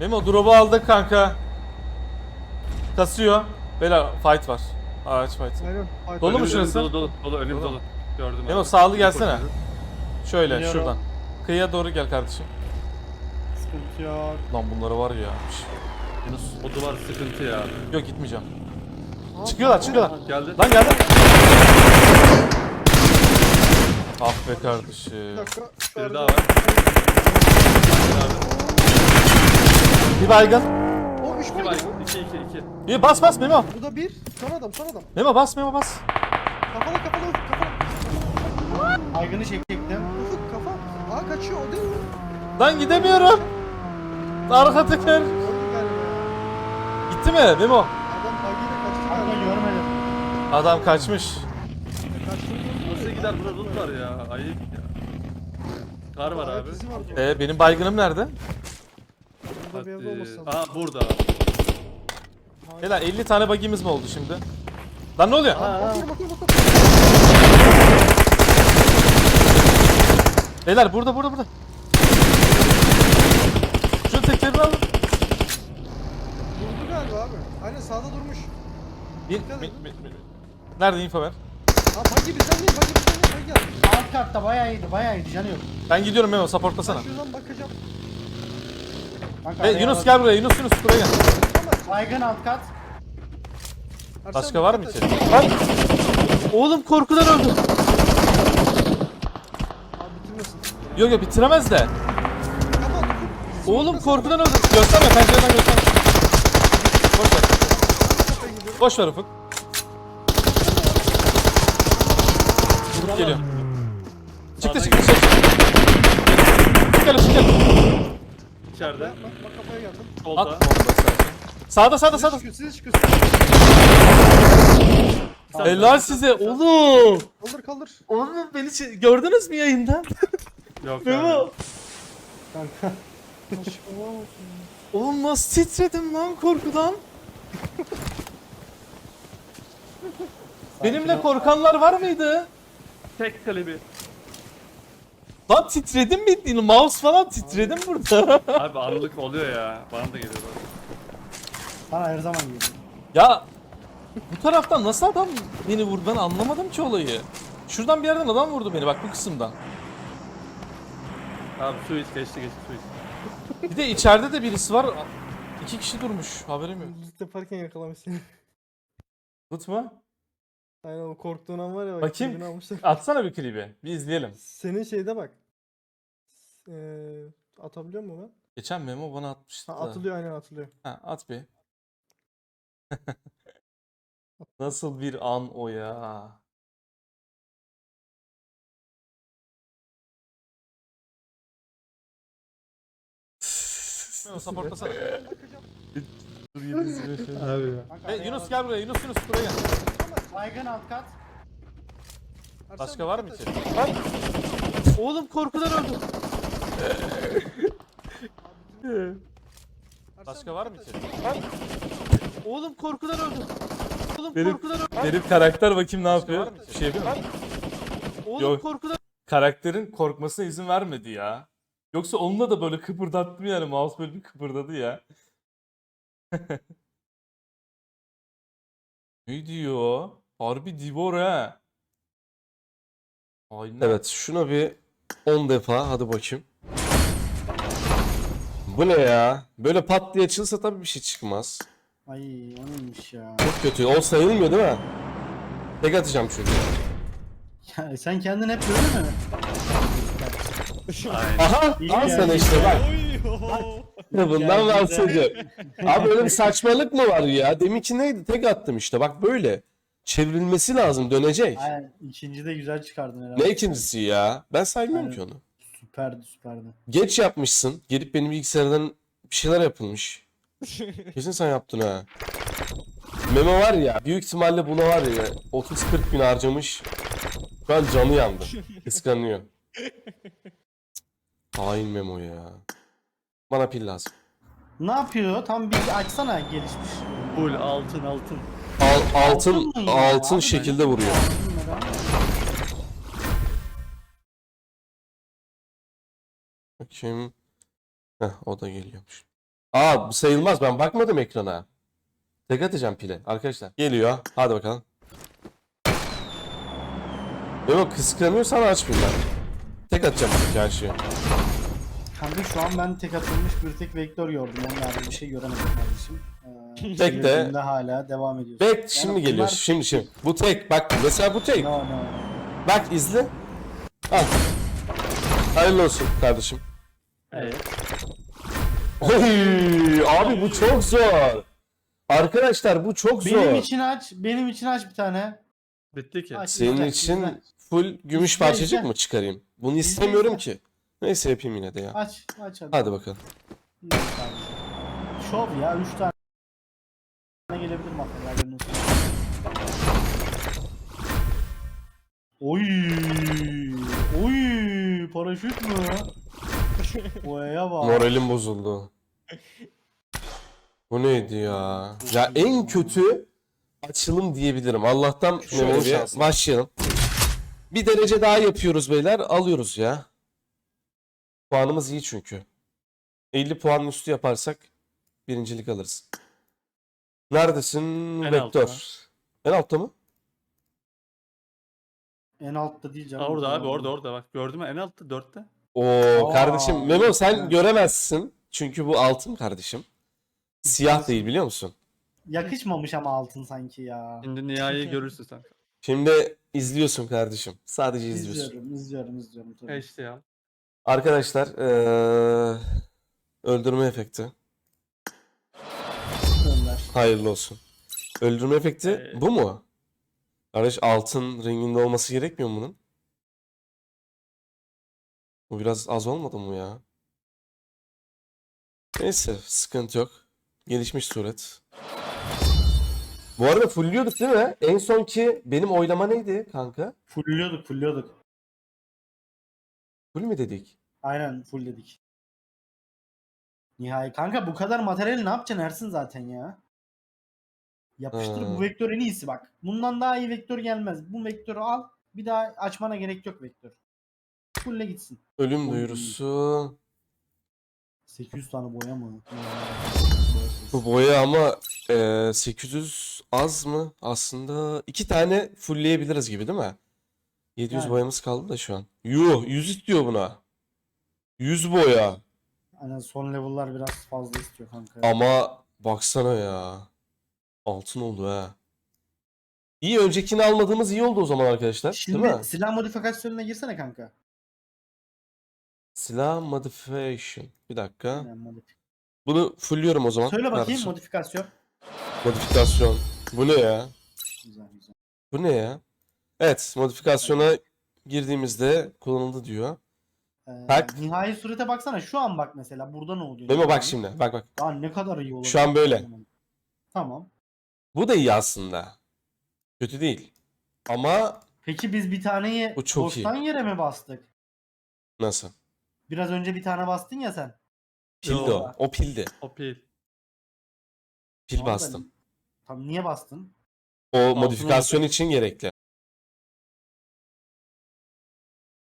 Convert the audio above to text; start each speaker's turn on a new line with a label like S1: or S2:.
S1: Memo drop'u aldık kanka. Kasıyor. Beyler fight var. Ağaç fight.
S2: Aynen.
S1: Dolu mu
S3: Önümüz
S1: şurası?
S3: Dolu önümüz
S1: Dolu.
S3: dolu. Gördüm
S1: Memo
S3: abi.
S1: sağlı gelsene. Şöyle
S2: Geliyorum.
S1: şuradan. Kıyıya doğru gel kardeşim.
S2: Sıkıntı yok.
S1: Lan bunları var ya. Yunus.
S3: O duvar sıkıntı ya.
S1: Yok gitmeyeceğim. Çıkıyorlar.
S3: Geldi.
S1: Lan geldi. Ah be kardeşim.
S2: Bir dakika.
S3: Bir daha var.
S1: Bir baygın.
S2: O 3
S3: İki var.
S2: baydı.
S3: 2.
S1: Bir bas Memo.
S2: Bu da 1. Son adam.
S1: Memo bas.
S2: Kafalı ufuk kafa.
S4: Aygın'ı çekecektim.
S2: Ufuk kafa. Aa kaçıyor o değil mi?
S1: Lan gidemiyorum. Arka teker.
S2: Öldü galiba.
S1: Gitti mi Memo?
S2: Adam bagiyle kaçtı
S4: Kanka
S2: galiba.
S4: görmedim.
S1: Adam kaçmış.
S3: Nasıl gider burada loot var ya. Ayıp ya. Kar var abi.
S2: Izi var.
S1: Benim baygınım nerede?
S2: Burada bir evde olmasın.
S3: Aa burada.
S1: Beyler 50 tane bagimiz mi oldu şimdi? Lan ne oluyor?
S2: Bakıyorum.
S1: Beyler burada. Şu tekerini alın.
S2: Durdu galiba abi. Aynen sağda durmuş.
S1: Nerede info ver?
S2: Ha bagi bizden değil. Bagi gel.
S4: Alt katta bayağı iyiydi canı yok.
S1: Ben gidiyorum Memo supportlasana.
S2: Ben şuradan bakacağım.
S4: Kanka,
S1: Yunus gel buraya. Yunus buraya gel.
S4: Aygın alt kat.
S2: Arslan,
S1: Başka var mı
S2: dikkat
S1: içeri?
S2: et.
S1: Lan! Oğlum korkudan öldüm.
S2: Abi bitirmesin.
S1: Yok bitiremez de.
S2: Kafa ufuk.
S1: Oğlum korkudan öldüm. Gösterme pencereden gösterme. Boş ver.
S2: Kafaya gidiyorum.
S1: Boş ver Ufuk. Ufuk geliyor. Çıktı. Çık gel.
S3: İçeride.
S2: Bak kafaya geldim.
S3: Solda.
S1: At bomba istersen. Sağda.
S2: Size çıkıyor.
S1: Helal size oğlum.
S2: Kaldır.
S1: Oğlum beni gördünüz mü yayından?
S3: Yok
S1: Memo.
S3: abi.
S4: Kanka.
S1: Oğlum nasıl titredim lan korkudan. Benimle korkanlar var mıydı?
S3: Tek kalebi.
S1: Lan titredim bildiğin mouse falan titredim burada.
S3: Abi anlık oluyor ya. Bana da geliyor.
S4: Bana her zaman geliyor.
S1: Ya bu taraftan nasıl adam beni vurdu ben anlamadım ki olayı. Şuradan bir yerden adam vurdu beni bak bu kısımdan.
S3: Abi su iç geçti su iç.
S1: Bir de içeride de birisi var. 2 kişi durmuş haberim yok.
S2: Loot yaparken yakalamış seni.
S1: Tut mu?
S2: Aynen o korktuğun an var ya. Bak,
S1: Bakayım.
S2: klibini almışlar.
S1: Atsana bir klibi. Bir izleyelim.
S2: Senin şeyde bak. Atabiliyor mu ben?
S1: Geçen Memo bana atmıştı.
S2: Ha,
S1: da.
S2: atılıyor aynen atılıyor.
S1: Ha, at bir. Nasıl bir an o ya. Memo supportlasana. Dur yedi şey.
S3: Abi ya.
S4: Kanka,
S1: Yunus gel buraya. Yunus buraya gel.
S4: Aygın alt kat.
S1: Başka var mı içeri? Lan! Oğlum korkudan öldüm. Başka var mı içeri? Lan! Oğlum korkudan öldüm. Korkudan öldüm. Benim karakter bakayım ne yapıyor? Bir şey yapıyor mu? Oğlum
S3: Yok.
S1: korkudan. Karakterin korkmasına izin vermedi ya. Yoksa onunla da böyle kıpırdattım yani mouse böyle bir kıpırdadı ya. Ne diyor? Harbi Divor ha. Aynen.
S5: Evet, şuna bir 10 defa hadi bakayım. Bu ne ya? Böyle pat diye açılsa tabii bir şey çıkmaz.
S4: Ay o neymiş ya.
S5: Çok kötü. O sayılmıyor değil mi? Tek atacağım çünkü.
S4: Ya sen kendin hep böyle mi?
S3: Aynen.
S5: Aha!
S4: İyi
S5: Al
S4: yani.
S5: sana işte bak. Bundan
S4: Yani
S5: bahsediyorum. Abi öyle bir saçmalık mı var ya? Deminki neydi? Tek attım işte. Bak böyle. Çevrilmesi lazım. Dönecek.
S4: Aynen ikinci de güzel çıkardın herhalde.
S5: Ne ikincisi ya? Ben saymıyorum ki onu.
S4: Süperdi.
S5: Geç yapmışsın. Gelip benim bilgisayardan bir şeyler yapılmış. Kesin sen yaptın ha. Memo var ya büyük ihtimalle buna var ya 30-40 bin harcamış. Şu an canı yandı. Kıskanıyor. Hain Memo ya. Bana pil lazım.
S4: Ne yapıyor? Tam bir açsana gelişmiş.
S3: Full altın.
S5: Altın
S4: Altın mı ya?
S5: altın
S4: Abi
S5: şekilde vuruyor.
S4: Bunlara-
S5: Bakayım. Heh, o da geliyormuş. Aa bu sayılmaz, ben bakmadım ekrana. Tek atacağım pile arkadaşlar. Geliyor. Hadi bakalım. Yok kıskanıyorsan açmayayım ben. Tek atacağım çünkü her şeyi.
S4: Kanka şu an ben tek atılmış bir tek vektör gördüm. Yani daha bir şey göremedim kardeşim.
S5: Tek de-
S4: çevirdiğimde hala devam ediyor.
S5: Bek şimdi geliyor.
S4: bunlar-
S5: Şimdi. Bu tek. Bak mesela bu tek.
S4: No.
S5: Bak izle. Al. Hayırlı olsun kardeşim.
S3: Evet.
S5: Oy, abi bu çok zor. Arkadaşlar bu çok zor.
S4: Benim için aç bir tane.
S3: Bitti ki.
S4: Aç,
S5: Senin
S4: güzel,
S5: için
S4: güzel.
S5: full gümüş
S4: İzle,
S5: parçacık
S4: izle.
S5: mı çıkarayım? Bunu
S4: İzle,
S5: istemiyorum
S4: izle.
S5: ki. Neyse yapayım yine de ya.
S4: Aç hadi.
S5: Hadi bakalım.
S4: Şov ya 3 tane gelebilir materyallerin üstüne. Oy paraşüt mü? Oya bak.
S5: Moralim bozuldu. Bu neydi ya? Ya en kötü açılım diyebilirim. Allah'tan
S1: Şöyle
S5: Mehmet
S1: bir
S5: Bey'e başlayalım. Bir derece daha yapıyoruz beyler. Alıyoruz ya. Puanımız iyi çünkü. 50 puanın üstü yaparsak birincilik alırız. Neredesin?
S3: En
S5: Vektör.
S3: altta.
S5: En altta mı?
S4: En altta değil canım.
S3: Orada abi orada bak. Gördün mü en altta 4'te.
S5: Oo
S4: Aa,
S5: kardeşim Memo sen
S4: evet.
S5: göremezsin. Çünkü bu altın kardeşim. Siyah değil biliyor musun?
S4: Yakışmamış ama altın sanki ya.
S3: Şimdi nihai görürsün sen.
S5: Şimdi izliyorsun kardeşim. Sadece izliyorsun.
S4: İzliyorum tabii.
S3: İşte ya.
S5: Arkadaşlar öldürme efekti.
S4: Gönder.
S5: Hayırlı olsun. Öldürme efekti bu mu? Kardeş altın renginde olması gerekmiyor mu bunun? Bu biraz az olmadı mı ya? Neyse sıkıntı yok. Gelişmiş suret. Bu arada fullliyorduk değil mi? En sonki benim oylama neydi kanka?
S4: Fulliyorduk.
S5: Full mi dedik?
S4: Aynen full dedik. Nihai. Kanka bu kadar materyali ne yapacaksın Ersin zaten ya? Yapıştır
S5: Ha.
S4: bu vektör en iyisi bak. Bundan daha iyi vektör gelmez. Bu vektörü al. Bir daha açmana gerek yok vektör. Full'e gitsin.
S5: Ölüm
S4: Oy.
S5: duyurusu.
S4: 800 tane boya mı?
S5: Bu boya ama 800 az mı? Aslında 2 tane fullleyebiliriz gibi değil mi? 700
S4: Yani.
S5: boyamız kaldı da şu an. Yuh 100 istiyor buna. 100 boya.
S4: Aynen son level'lar biraz fazla istiyor kanka.
S5: Ama baksana ya. Altın oldu ha. İyi öncekini almadığımız iyi oldu o zaman arkadaşlar. Değil mi?
S4: Şimdi silah modifikasyonuna girsene kanka.
S5: Silah modification. Bir dakika.
S4: Aynen,
S5: Bunu fullliyorum o zaman.
S4: Söyle bakayım
S5: kardeşim.
S4: modifikasyon.
S5: Modifikasyon. Bu ne ya?
S4: Güzel.
S5: Bu ne ya? Evet, modifikasyona girdiğimizde kullanıldı diyor. Bak.
S4: Nihai surete baksana şu an bak mesela burada ne oluyor?
S5: Memo bak şimdi. Bak.
S4: Daha ne kadar iyi olabilir.
S5: Şu an böyle.
S4: Tamam.
S5: Bu da iyi aslında. Kötü değil. Ama
S4: Peki biz bir taneyi
S5: Bu çok
S4: boştan yere mi bastık?
S5: nasıl?
S4: Biraz önce bir tane bastın ya sen.
S5: Pildi
S3: Yo.
S5: o. O pildi.
S3: O pil.
S5: Pil
S4: Tamam da-
S5: bastım.
S4: Tam niye bastın?
S5: O modifikasyon için gerekli.